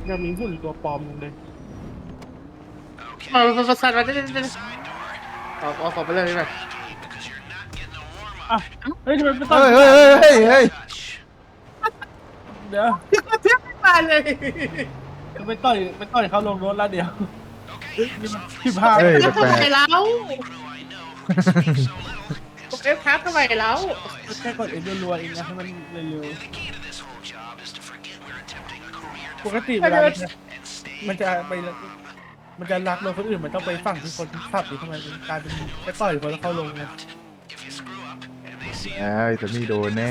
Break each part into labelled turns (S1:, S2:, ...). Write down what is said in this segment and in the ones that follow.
S1: ยังมีหุ่นตัวปลอมอยู่เลย
S2: ประสาทมาได้เอาของไปเลยไป
S1: อ่ะเฮ้ยทำไมไม่ต้
S3: เฮ้
S1: อง
S3: ยเฮ้ยเฮ้ยเฮ้ย
S1: เดี๋ยว
S2: เทียบไม่มาเลย
S1: ไปต่อยเขาลงรถแล้วเดี๋ยวนี่มัน15
S3: เฮ้ย
S2: ทำ
S3: แปล
S2: ไม
S3: ก
S2: แล้วเอฟทับทำไมแล้ว
S1: แค่กดเอ็นรัวๆเองนะให้มันเร็วๆปกติเวลามันจะไปมันจะรักรถคนอื่นมันต้องไปฝั่งที่คนขับหรือทำไมมันกลายเป็นไปต่อยคนแล้วเขาลงไง
S3: ไอ้แต่นี่โดนแน่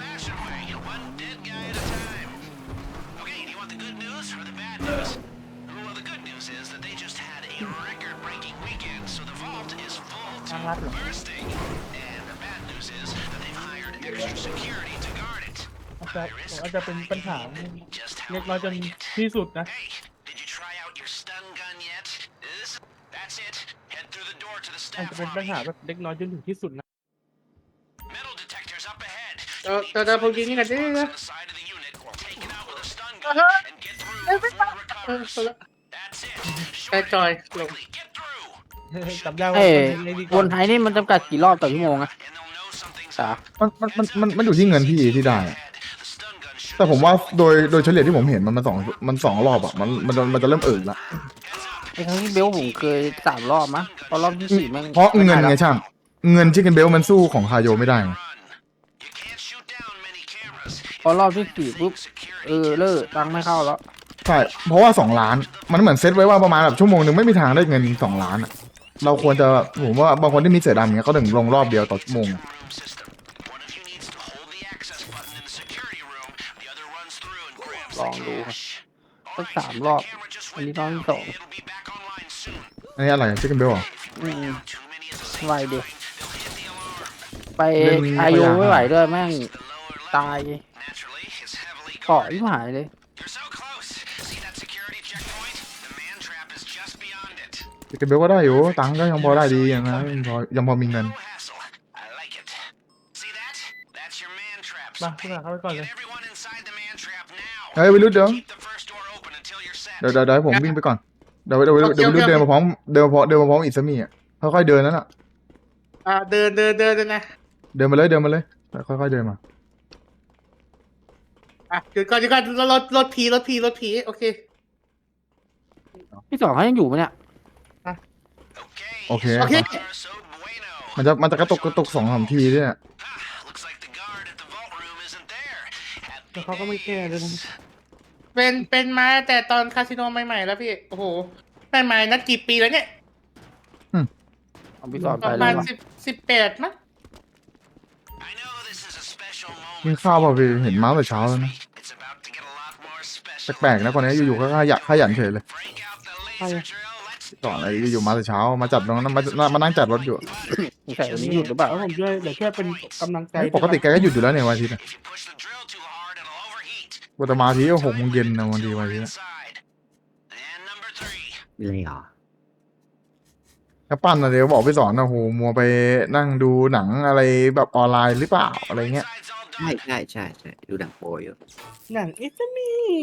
S1: ทางลัดเหรออาจจะเป็นปัญหาเล็กน้อยจนที่สุดนะอาจจะเป็นปัญหาแบบเล็กน้อยจนถึงที่สุดนะ
S2: แต่ผมยิงนี่กันได้นะแต่จอยลง
S1: จำได้ว่า
S4: เอ้ย
S1: ในดี
S4: วนไทยนี่มันจำกัดกี่รอบต่อชั่วโมงอะสา
S3: มันอยู่ที่เงินพี่ที่ได้อะแต่ผมว่าโดยเฉลี่ยที่ผมเห็นมันสองรอบอ่ะมันจะเริ่มละ
S4: ไอ้ครั้งที่เบลผมเคย3 รอบมั้งพอรอบที่4แม่ง
S3: เพราะเงินไงช่างเงินชิคเก้นเบลมันสู้ของคาโยไม่ได้ไง
S4: พอรอบที่4ปุ๊บเลิกตังค์ไม่เข้าแล้ว
S3: ใช่เพราะว่า2 ล้านมันเหมือนเซตไว้ว่าประมาณแบบชั่วโมงหนึ่งไม่มีทางได้เงิน2 ล้านอ่ะเราควรจะผมว่าบางคนที่มีเสือดำเงี้ยเขาถึงลงรอบเดียวต่อชั่วโมง
S4: ลองดูสัก3 รอบอันนี้รอบที่2
S3: อันนี้อะไรชิคเก้นเบลอ่ะ
S4: ไวเดียวไปอายุไม่ไหวด้วยแม่งตายเกาะที่หายเลย
S3: ชิคเก้นเบลก็ได้อยู่ตังค์ก็ยังพอได้ดีอย่างนะยังพอมีเงิน
S1: มาขึ้นมาเข้าไปก่อนเลย
S3: เฮ้ยวิรุธเดี๋ยวให้ผมวิ่งไปก่อนเดี๋ยววิรุธเดินมาพร้อมอิสมี่อ่ะค่อยๆเดินนั่นอ่ะ
S2: เดินยังไง
S3: เดินมาเลยค่อยๆเดินมา
S2: หยุดก่อนรถผีโอเค
S4: ที่2เขายังอยู่ไหมเนี่ย
S3: โอเค
S2: โอเค
S3: มันจะกระตุก2-3 ทีเนี่ย
S1: แล้วเขาก็ไม่แก้เลยนะ
S2: เป็นมาแต่ตอนคาสิโนใหม่ๆแล้วพี่โอ้โหใหม่ๆนัดกี่ปีแล้วเนี่ย
S4: เอาพี่สอน
S2: ป
S4: ไประ เล
S2: มาณ
S4: ยวะ
S2: 18มั้ง
S3: กินข้าวเปล่าพี่เห็นมาแต่เช้าแล้วนะแปลกๆนะคนนี้อยู่ๆก็ขยันเฉยเลยก่อนอะไรอยู่ๆมาแต่เช้ามาจัดตรงนั้นมานั่งจัดรถอยู่
S4: ใส่วันนี้หยุดหรือเปล่า
S1: แล้วผมช่วยเดี๋ยวช่วยเป็นกำลังใจ
S3: ปกติแกก็หยุดอยู่แล้วเนี่ยวันอาทิตย์นะวันแต่มาทีก็6 โมงเย็นนะวันอาทิตย์นะ
S5: เลยเหรอ
S3: แล้วปั้นนะเดี๋ยวบอกไปสอนนะโหมัวไปนั่งดูหนังอะไรแบบออนไลน์หรือเปล่าอะไรเงี้ย
S5: ใช่ดูหนังโปรอยู่
S1: หนังอิสมี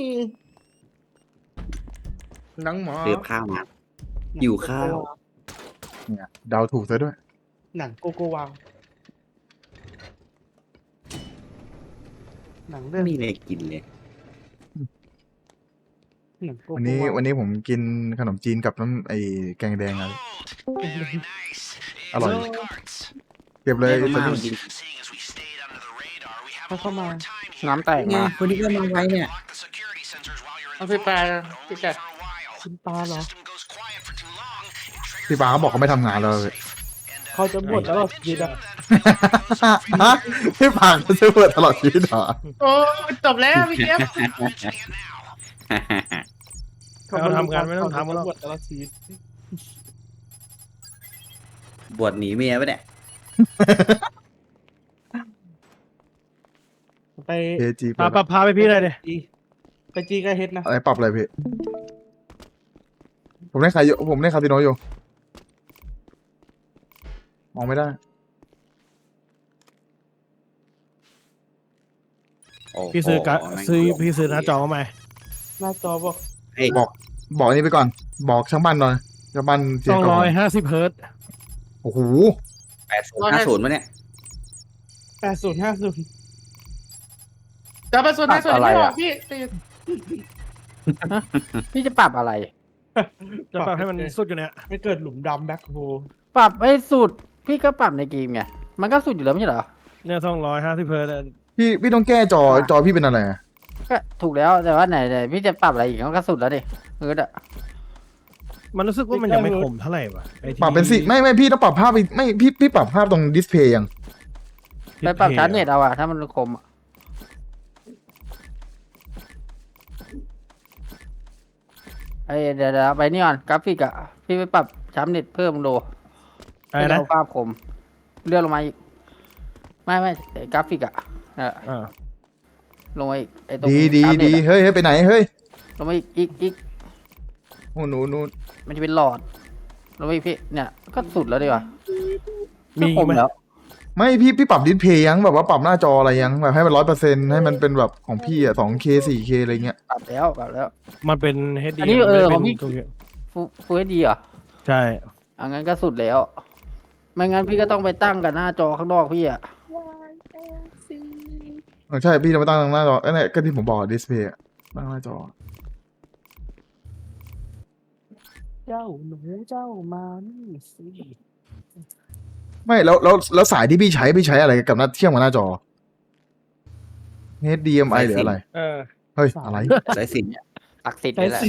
S2: หนังหมอ
S5: เรียบข้าวมาหิวข้าว
S3: เนี่ยเดาถูกซะด้วย
S1: หนังโกโกวาวหนังเรื่
S5: ไม่
S1: อง
S5: มีอะไรกินเลย
S1: หนังโกโก
S3: วันนี้
S1: วาว
S3: วันนี้ผมกินขนมจีนกับน้ำไอ้แกงแดงอะไรอร่อยเก็บเลย
S5: แม่
S3: ตอน
S5: มา
S3: นี้
S5: กิน
S1: เขาเข้ามา
S4: น้ำแตก
S5: ไง
S4: มา
S5: คนที่ก็มาไว้เนี่ย
S2: เอาไปปลาพี่แก
S1: คุณปลาเหรอ
S3: พี่ปาเขาบอกเขาไม่ทำงานแล้วเลย
S1: เขาจะบวชแล้วหรอยีดอ่ะ
S3: ฮะพี่ปาเขาจะเปิดตลอดชีวิตเหรอ
S2: โอ้จบแล้วพี่เจี๊ยบ
S1: เราทำงานไม่ต้องทำแล้วบวชแล้วชีวิต
S5: บวชหนีเมียปะเนี่ย
S1: ไป
S3: เอจี
S1: พาไปพี่เลยเดี๋ยไปจีก็เฮ็ดนะ
S3: อะไรปรับอะไรพี่ผมได้คาสิโนอยู่มองไม่ได้
S5: โอ้โห
S1: พี่ซื้อ
S5: แม่ง
S1: พี่ซื้อหน้าจอมาใหม่หน้าจอบอก
S5: เฮ้ย
S3: บอกอันนี้ไปก่อน บอกช่างบ้านหน่อยช่างบ้านเสียงก่อน
S1: 250 เฮิร์ตซ์
S3: โอ้โห
S5: 80 50มาเนี่ย
S1: 80 50
S2: จะไปส่วนไหนส่วนไหนไม่บอกพี่
S4: พี่จะปรับอะไร
S1: จะปรับให้มันสุดอยู่เนี่ยไม่เกิดหลุมดำแบ็คโฮ
S4: ปรับให้สุดพี่ก็ปรับในเกมไงมันก็สุดอยู่แล้วไม่ใช่เหรอ
S1: เนี่ย250 เฮิร์ตซ์
S3: พี่ต้องแก้จอพี่เป็นอะไรอะ
S4: ก็ถูกแล้วแต่ว่าไหนพี่จะปรับอะไรอีกมันก็สุดแล้วดิอะ
S1: มันรู้สึกว่ามันยังไม่คมเท่าไหร่วะไอ้ที่
S3: ปรับเป็นสิไม่พี่ต้องปรับภาพไปไม่พี่ปรับภาพตรงดิสเพย์ยัง
S4: ไปปรับชาร์จเน็ตเอาอะถ้ามันคมอะไอเดี๋ยวไปนี่ก่อนกราฟิกอะพี่ไปปรับชาร์จเน็ตเพิ่มดู
S1: อะไร
S4: ให้
S1: นะ
S4: เราภาพคมเลื่อนลงมาอีกไม่ไอ้กราฟิกอะ
S1: อ่า
S4: ลงมาอีกไอ้ตรง
S3: ดี
S4: ชาร์จเน็ตอะ
S3: เฮ้ยไปไหนเฮ้ย
S4: ลงมาอีก
S3: โอ้หนู
S4: มันจะเป็นหลอดลงมาอีกพี่เนี่ยก็สุดแล้วดีกว่า
S1: มี
S4: ก็คม
S1: ไหม
S4: แล้ว
S3: ไม่พี่ปรับดิสเพย์ยังแบบว่าปรับหน้าจออะไรยังแบบให้มัน100%ให้มันเป็นแบบของพี่อะ 2K 4K อะไรเงี้ย
S4: ปรับแล้ว
S1: มันเป็น HD
S4: อันนี้
S1: มัไม่ได้
S4: ข
S1: เป็
S4: องพี่
S1: นตัวเนี้ย
S4: ฟูเอดีเหรอ
S1: ใช่
S4: อังั้นก็สุดแล้ว ไม่งั้นพี่ก็ต้องไปตั้งกับหน้าจอข้างนอกพี่อะ
S3: ใช่พี่จะมาตั้งหน้าจอเนี่ยก็ที่ผมบอกดิสเพย์ตั้งหน้าจอ
S1: เจ้าหนูเจ้ามานี่สิ
S3: ไม่แล้วสายที่พี่ใช้อะไรกับหน้าเชื่อมกับหน้าจอ HDMI หรืออะไร เฮ้ยอะไร
S5: สายสิญ
S4: ตักสิทธิ์เลยแหละ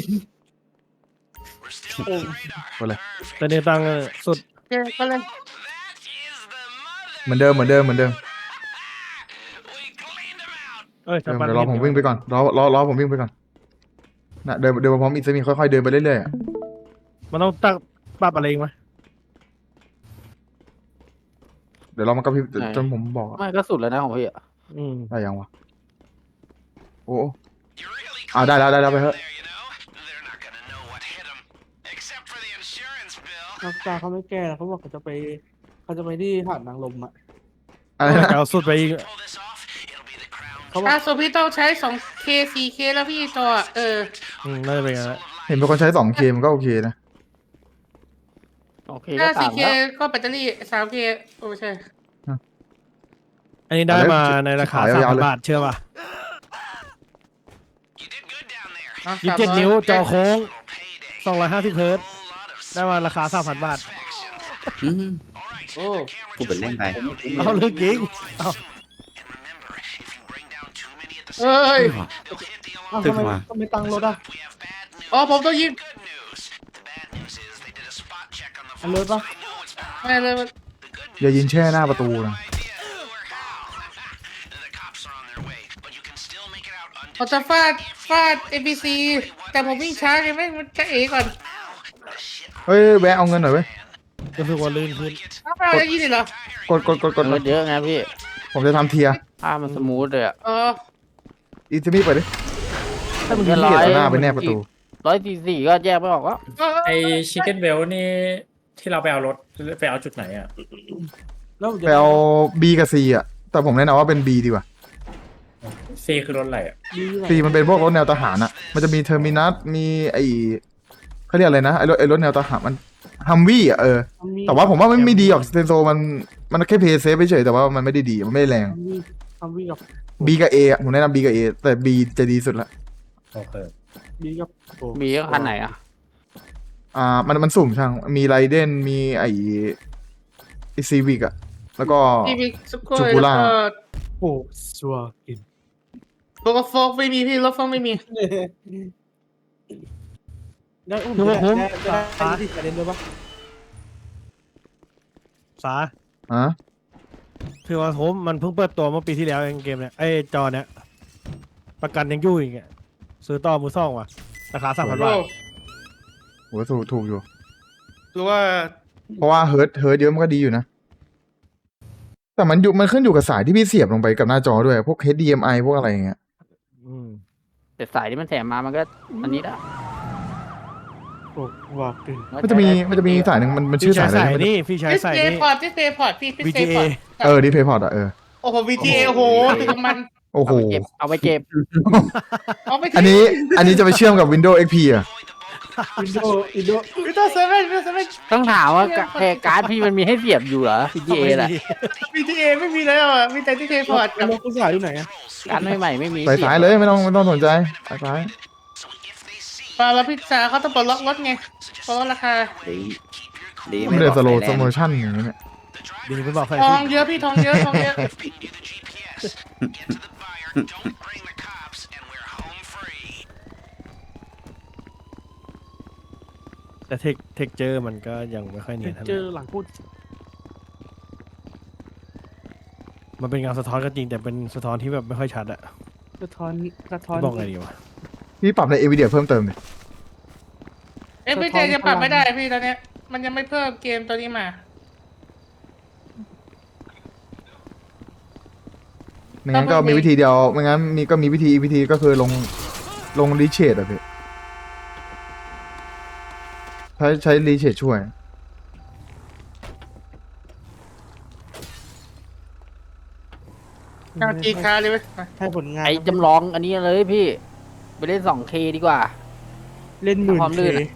S3: ไปเลย
S1: แต่เนี่ยตั้งสุด
S2: โอเคก็เลย
S3: เหมือนเดิม
S1: เอ้ย
S3: เดี๋
S1: ชาวบ้าน
S3: ยวรอผมวิ่งไปก่อนรอผมวิ่งไปก่อนนะเดินมาพร้อมอิสมีค่อยๆเดินไปเรื่อยๆอะ
S1: มันต้องตั้งปรับอะไรอีกไหม
S3: เดี๋ยวรอมันกระพริบจนผมบอกอะ
S4: ไม่ก็สุดแล้วนะของพี่อะ
S1: อืม
S3: ได้ยังวะโอ้ได้แล้วไปเถอะ
S1: นักตาเขาไม่แก้แล้วเขาบอกเขาจะไปที่หาดนางลมอ่ะ
S3: อะไรนะ
S1: เอาสุดไปอีกเขาบอก
S2: ส่วนพี่ต้องใช้ 2K 4K แล้วพี่จอ
S1: น่าจะเป็นอย่างนั้นแหละ
S3: เห็นเป็นคนใช้ 2K มันก็โอเคนะ
S4: โอเค
S2: ถ้า
S4: ก็ต่าง
S2: 4K
S4: แล้ว
S2: ก็แบตเตอรี่ 3K โอ้ใช่
S1: อันนี้ได้มาในราคา
S3: ขายยาวๆเลย
S1: 3,000 บาทเชื่อป่ะ
S2: อ่ะ
S1: 27 นิ้วจอโค้ง250 เฮิร์ตซ์ได้มาราคา 3,000 บาท
S5: อืม
S2: โอ้
S5: พูดเป็นเล่นไป
S1: เอาเรื่องจริงเอา
S2: เอ้ย
S5: ตึกมา
S1: ทำไมตังรถอ่ะ
S2: อ๋อผมต้องยิง
S1: อันรถปะ
S2: ไม่เลยมัน
S3: อย่ายินแช่หน้าประตูนะ
S2: ผมจะฟาด NPC แต่ผมวิ่งช้าไงแม่งมันจะเอก่อน
S3: เฮ้ยแวะเอาเงินหน่อยเว้ย
S1: รู้สึกว่าลื่นขึ้น
S2: อ้าวจะยิงเลยเหรอก
S3: ด
S4: เงินเยอะไงพี่
S3: ผมจะทำเทียร์
S4: ภาพมันสมูทเลยอะ
S3: อิสมีเปิดดิถ้ามึงยิง
S4: ร้
S3: เกี
S4: อย
S3: ยร์หน้าไปแนบประตู
S4: 144ก็แยกไม่ออกว่า
S6: ไอชิคเก้นเวลนี่ที่เราไปเอารถไปเอาจุดไหนอ่ะ
S1: แล้วผมจะ
S3: ไปเอา B กับ C อ่ะแต่ผมแนะนำว่าเป็น B ดีกว่า
S6: ซีคือรถอะไรอ่ะ
S3: C มันเป็นพวกรถแนวทหารอ่ะมันจะมีเทอร์มินัสมีไอเขาเรียกอะไรนะไอรถแนวทหารมันฮัมวี่อ่ะแต่ว่าผมว่าไม่ดีหรอกเซนโซมันแค่เพย์เซฟเฉยแต่ว่ามันไม่ได้ดีมันไม่ได้แรง
S1: ทำวิ่งกับ
S3: B กับ A อ่ะผมแนะนำ B กับ A แต่ B จะดีสุดละ
S6: โอเค
S1: บีกับ
S4: มีก็คันไหนอะ
S3: มันสุ่มช่างมีไรเดนมีไอซีวิกอ่ะแล้วก็
S2: พี่มีสุโข
S3: จู
S2: ย
S3: บู
S2: แล้ว
S3: ล่า
S2: ก็
S1: โอ้ชัวกิน
S2: รถโฟกไม่มีพี่รถโฟกไม่มี
S1: ได้อุ้มได้ที่ประเด็นด้วยปะสา
S3: ฮะ
S1: คือว่าผมมันเพิ่งเปิดตัวเมื่อปีที่แล้วเองเกมเนี่ยไอ้จอเนี้ยประกันยังอยู่อีกอ่ะซื้อต่อมือซ่องว่ะราคา 3,000 บาท
S3: โหถูกอยู่
S2: หรือว่า
S3: เพราะว่าเฮิร์ตเยอะมันก็ดีอยู่นะ แต่มันขึ้นอยู่กับสายที่พี่เสียบลงไปกับหน้าจอด้วยพวก HDMI พวกอะไรอย่างเงี้ย
S4: แต่สายที่มันแถมมามันก็อันนี้ละ
S1: โอ้บอกกิน
S3: มันจะมีสายหนึ่งมันชื่อสายอะไรนะ
S1: นี่พี่ใช้
S2: ดิส
S1: สาย
S2: เพย์
S1: นี่
S2: พอร์ตดิสเพย์พอร์ตพี่ดิสเพย์
S1: VGA
S2: พอร์ต
S3: ดิเพย์พอร์ตอ่ะ
S2: โอ้โห VGA โอ้โหถึงมัน
S3: โอ้โห
S4: เอาไปเก็บ
S2: เอาไป
S3: อันนี้จะไปเชื่อมกับ Windows XP อ่ะ
S1: วินโดว์อินโด
S2: วินโดว์เซเว่นวินโดว์เซเว่น
S4: ต้องถามว่าการ์ดพี่มันมีให้เสียบอยู่เหรอ PGA แหละ
S2: VTA ไม่มีแล้วอ่ะมีแต่ที่เทพอร์ตกับ
S1: รถกูสายอยู่ไหนอะ
S4: การ์ดใหม่ๆไม่มี
S3: ใส่สายเลยไม่ต้องสนใจสายสาย
S2: ปาแล้วพิซซ่าเขาต้องปลดล็อกรถไงปลดล็อกราคา
S5: ดี
S3: ไม่ได้สโลว์
S5: ไบ
S3: ส
S5: อก
S3: โม
S5: ไฟแรง
S3: ชั่นอย่างนี้เนี่ย
S1: ดีไม่บอกใคร
S2: ทองเยอะพี่ทองเยอะทองเยอะ
S7: แต่เทคเจอร์มันก็ยังไม่ค่อยเนียนเท่าไห
S1: เจ
S7: ร่
S1: อหลังพูด
S7: มันเป็นเงาสะท้อนก็จริงแต่เป็นสะท้อนที่แบบไม่ค่อยชัดอะ
S1: สะท้อนสะท้อน
S7: บอกไงดีวะ
S3: พี่ปรับใน NVIDIA เพิ่มเติมเนี่ย
S2: พี่เจจะปรับไม่ได้พี่ตอนเนี้ยมันยังไม่เพิ่มเกมตัวนี้มา
S3: ไม่งั้นก็มีวิธีเดียวไม่งั้นมีวิธีก็คือลงรีเชดอะพี่ใช้รีเชดช่วย
S2: เอาจีคาเลยเว้ยมา
S1: ให้ผลงาน
S4: ไอ้จำลองอันนี้เลยพี่ ไปเล่น 2K ดีกว่า
S1: เล่นหมื่น
S4: ความ
S1: เค
S4: ลื่นอะ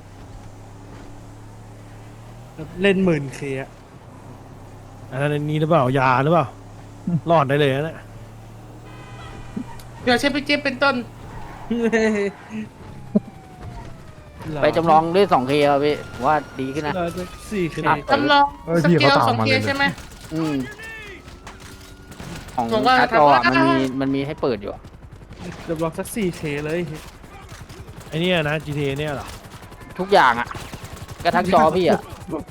S1: เล่นหมื่นเคอะ
S7: อันนั้นนี้หรือเปล่ายาหรือเปล่า รอดได้เลยนะ
S2: เดี๋ยวใช้พี่เจเป็นต้น
S4: ไปจำลองเล่น 2K เอาพี่ผมว่าดีขึ้นนะ
S1: เราจะ4K
S2: จำลอง
S3: เออ
S2: ส
S3: พี่
S2: เก
S3: เขา
S2: ล
S3: ตาม
S2: สอง
S3: มา
S2: เค
S3: เลย
S2: ใช่ไหม
S4: อืมของ
S2: บอกว่า
S4: การ์ดจออะ
S2: ทำว่า
S4: มันมีให้เปิดอยู่อะ
S1: จำลองสัก 4K เลย
S7: ไอเนี่ยนะ GTA เนี่ยเหรอ
S4: ทุกอย่างอ่ะกระทั่งจอพี่อ่ะ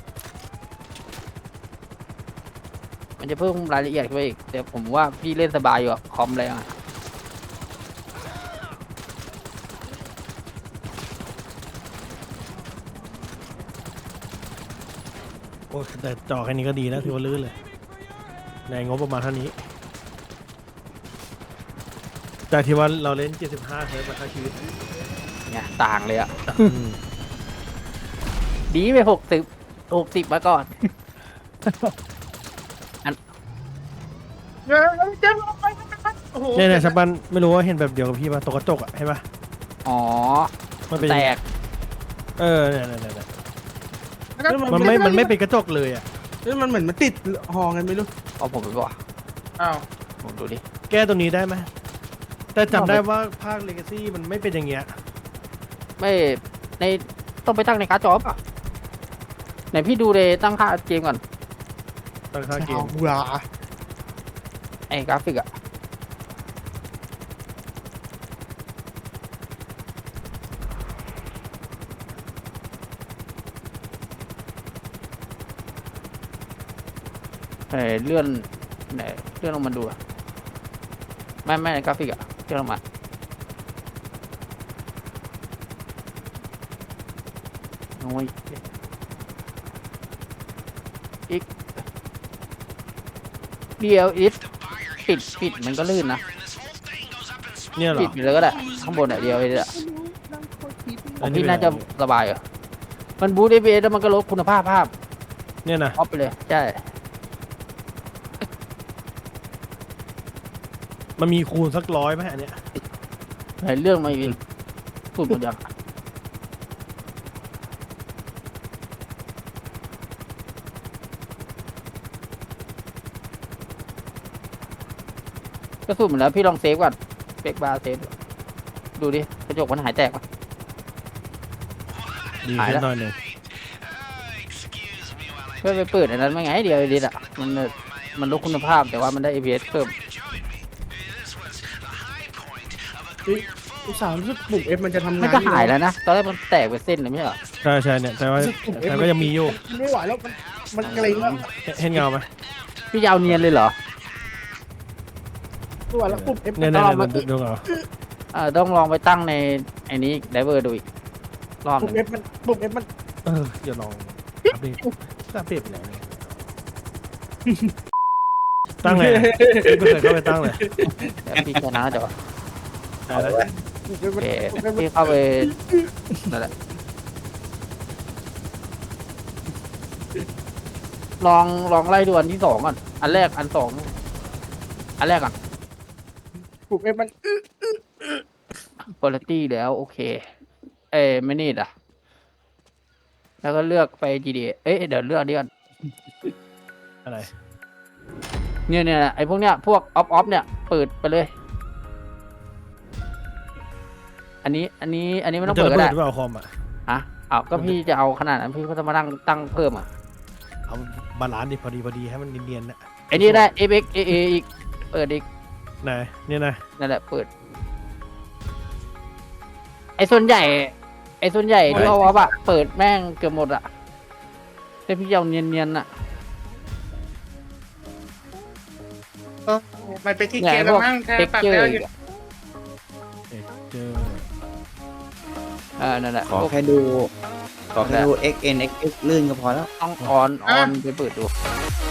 S4: มันจะเพิ่มรายละเอียดขึ้นไปอีกแต่ผมว่าพี่เล่นสบายอยู่อะคอมแรงอะ
S7: โอ้แต่จอแค่นี้ก็ดีนะถือว่าลื่นเลย ในงบประมาณเท่านี้ จากที่ว่าเราเล่น 75 เฮิร์ตซ์มาทั้งชีวิต
S4: เนี่ยต่างเลยอ่ะ ดีไป60มาก่อน
S2: เดี๋ยวจะลงไปโอ้โห
S7: เนี่ยชับบันไม่รู้ว่าเห็นแบบเดียวกับพี่ป่ะตกกระจกอะเห็นป่ะ
S4: อ๋อ
S7: มันเป็น
S4: แตก
S7: เนี่ยมันไม่เป็นกระจกเลยอะ
S1: เฮ้ยมันเหมือนมันติดหอไงไม่รู้
S4: เอาผมไปบอก
S2: อ้าว
S4: ผมดูดิ
S7: แก้ตรงนี้ได้ไหมแต่จำได้ว่าภาค Legacy มันไม่เป็นอย่างเงี้ย
S4: ไม่ในต้องไปตั้งในการ์ดจอป่ะไหนพี่ดูเลยตั้งค่าเกมก่อน
S7: ตอนค่าเกม
S1: เอาหรา
S4: ไอ้กราฟิกอะเลื่อนไหนเลื่อนลงมาดูอะไม่กราฟิกอะเลื่อนลงมาโอ้ยอีกเดียวอีกปิดมันก็ลื่นนะ
S7: เนี่ยเหร
S4: ปิ
S7: อ
S4: ดไปเลยก็ได้ข้างบนอ่ะเดียวเองอะของพี่น่าจะสบายเหรอมันบูท FPS แล้วมันก็ลดคุณภาพภาพ
S7: เนี่ยนะ
S4: ออฟไปเลยใช่
S7: มันมีคูณสัก100ไหมอันเนี้ย
S4: ในเรื่องมาอีกสุดหมดยังก็สุดหมดแล้วพี่ลองเซฟก่อนเฟกบาร์เซฟดูดิกระจกมันหายแตกปะ
S7: ดี
S4: หาย
S7: ขึ้
S4: แล้ว
S7: นหน่อยหนึ่ง
S4: เพื่อไปเปิดอันนั้นไม่ไงเดียวดิอ่ะมันลดคุณภาพแต่ว่ามันได้ FPS เพิ่ม
S1: อุตส่าห์รู้สึกปุ่ม F มันจะทำ
S4: มัน
S1: งาน
S4: ก็หายแล้วนะตอนแรกมันแตกเป็นเส้นเลยไม่ใช่เหรอ
S7: ใช่เนี่ยแต่ว่าแต่ก็ยังมีอยู่
S1: ไม่ไหวแล้วมันเกรงแล้ว
S7: เห็นเงาไหม
S4: พี่ยาวเนียนเลยเหรอ
S1: ไม่ไหวแล้วปุ่ม F
S7: เนี่ย
S4: ต้องลองมา
S7: ดูเงา
S4: ต้องลองไปตั้งในไอ้นี้ไดเวอร์ดูอีกรอบห
S1: ปุ่ม
S4: นึง
S1: F มันปุ่ม F มัน
S7: อย่าลองอัปเดตไปไหนเนี่ยตั้งเลยไม่เคยเข้าไปตั้งเลย
S4: เดี๋ยวพี่ชนะจะ
S7: ได้แล้ว
S4: โอเคพี่เข้าไปนั่นแหละลองไล่ดูอันที่สองก่อนอันแรกอันสองอันแรกก่อน
S2: ผูกให้มัน
S4: คุณภาพแล้วโอเค ไม่นี่อ่ะ แล้วก็เลือกไป GTA เดี๋ยวเลือกนี้ก่อน
S7: อะไร
S4: เนี่ยไอ้พวกเนี้ยพวกออฟเนี่ยเปิดไปเลย อันนี้ไม่ต้อง
S7: จะ
S4: เปิด
S7: ระ
S4: ก็
S7: เบิ
S4: ได้
S7: ดหรือเปล่าคอมอ่ะ
S4: เอาก็พี่จะเอาขนาดนั้นพี่ก็จะมาตั้งเพิ่มอ่ะ
S7: เอาบาลานซ์ดิพอดีให้มันเนียนๆนะ
S4: ไอ้นี่ได้ FX AA อีกเปิดอีก
S7: ไหนเนี่ยนะ
S4: นั่นแหละเปิด ไอ้ส่วนใหญ่ที่เอาว่าเปิดแม่งเกือบหมดอ่ะแต่พี่เอาเนียนๆอ่ะ
S2: มันเป็นที่
S4: เนี่ย
S2: เกียร์
S4: พ
S2: แล้ว
S4: วก
S2: มั้งแค่
S4: เท็ก
S2: ปรับ
S4: เจอ
S2: แล้ว
S4: ร์
S2: อยู่
S7: เจอ
S4: นั่นแหละ
S5: ขอ
S4: พวก
S5: แค่ดู XN XX ลื่นก็พอแล้ว
S4: ต้องออนไปเปิดดู